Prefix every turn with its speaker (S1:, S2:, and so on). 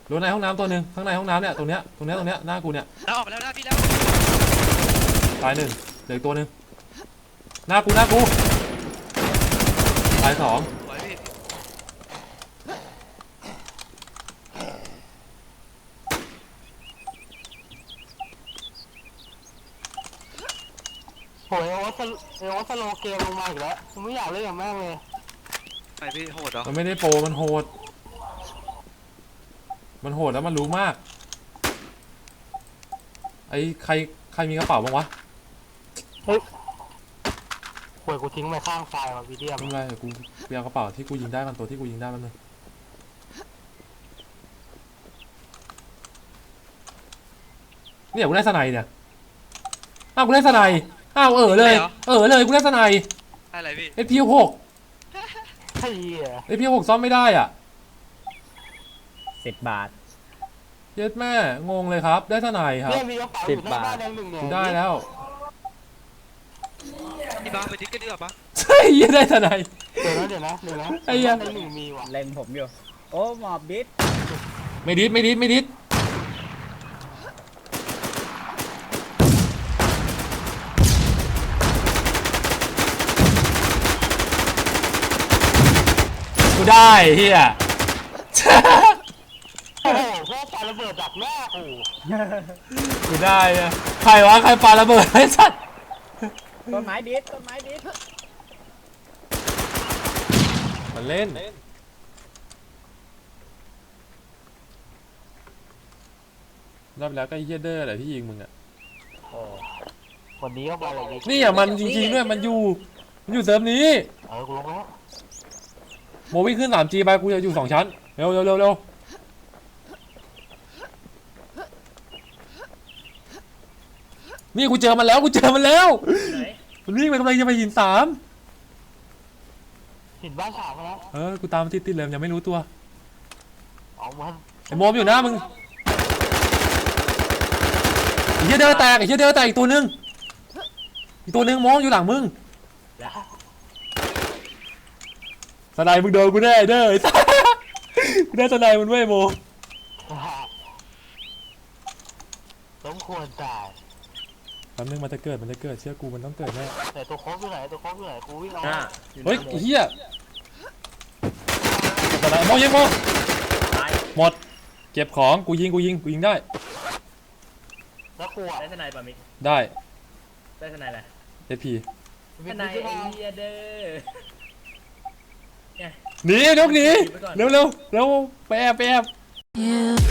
S1: รถในห้องน้ำตัวหนึ่งข้างในห้องน้ำเนี่ยตรงเนี้ยหน้ากูเนี่ย
S2: เราออกไปแล้วนะพี่แล้ว
S1: ตายหนึ่งเหลือตัวหนึ่งหน้ากูตายสอง
S2: สวยพี่
S3: โหยโอ๊ตสโลเกมลงมาอีกแล้วผมไม่อยากเล่นกับแม่งเลย
S2: ไอพี่โหดเหรอ
S1: มันไม่ได้โปรมันโหดแล้วมันรู้มากไอ้ใครมีกระเป๋าบ้างวะ
S3: เฮ้ยโหยกูทิ้งไปข้างไฟว่ะวีเดียม
S1: ไม่เป็นไรกูเปียกระเป๋าที่กูยิงได้มันตัวที่กูยิงได้มันเลยเนี่ยกูได้สไนเนี่ยอ้าวกูได้สไนอ้าวเลยกูได้สไน
S2: อะไรพี่
S1: SP6
S3: ไอ้เหี้ย
S1: SP6 ซ่อมไม่ได้อ่ะ
S4: 10 บาท
S1: เย็ดแม่งงเลยครับได้สไนครับ
S3: เนี่ยมีกระเป๋าอยู่หน้าบ้านแดงหนึ่งเนี่ย
S1: กูได้แล้ว
S2: พี่บ้าไปทิ้งกันดีกว่าปะ
S1: ใช่ยังได้สไน
S3: เดี๋ยวนะ
S1: ไอ้ยัง
S3: ในหนึ่งมีว่ะ
S4: เล็งผมอยู่โอ้หมอบดิส
S1: ไม่ดิดกูได้เฮีย
S3: โอ้โหพวกปาระเบิดดักหน้า
S1: กูได้อะใครวะใครปาระเบิดไอ้สัตว์
S4: ต้นไม้ดิส
S1: มันเล่นรอบแล้วก็เฮียเดอร์แหละที่ยิงมึงอ่ะ
S3: วันนี้ก็มาอะไร
S1: นี่อ่ะมันจริงๆด้วยมันอยู่เซิร์ฟนี้
S3: กูลงแล้ว
S1: โมวิ่งขึ้น 3G ไปกูจะอยู่2ชั้นเร็วนี่กูเจอมันแล้วมันวิ่งไปกำลังจะไปหิน3
S3: หินบ้านสามแล้ว
S1: กูตามมันติดเลยยังไม่รู้ตัว
S3: เอามัน
S1: ไอ้โมมอยู่นะมึงไอ้เหี้ยเดินแตกอีกตัวนึงโมมอยู่หลังมึงสไนมึงโดนกูแน่เด้อกูได้สไนมันเว้ยโม
S3: สมควรตาย
S1: แป๊บนึงมันจะเกิดเชื่อกูมันต้องเกิดแน่
S3: แต่ตัวโค้งอยู่ไหนกูวิ่งเอา
S1: เฮ้ยเฮียสไนโมยิงโมหมดเก็บของกูยิงได้
S3: แล้วกู
S4: ได้ทนายป่ะมิก
S1: ได้
S4: ทนายอะไร
S1: SP
S4: ทนายไอเดียเด้อ
S1: หนียกหนีเร็วไปแอบ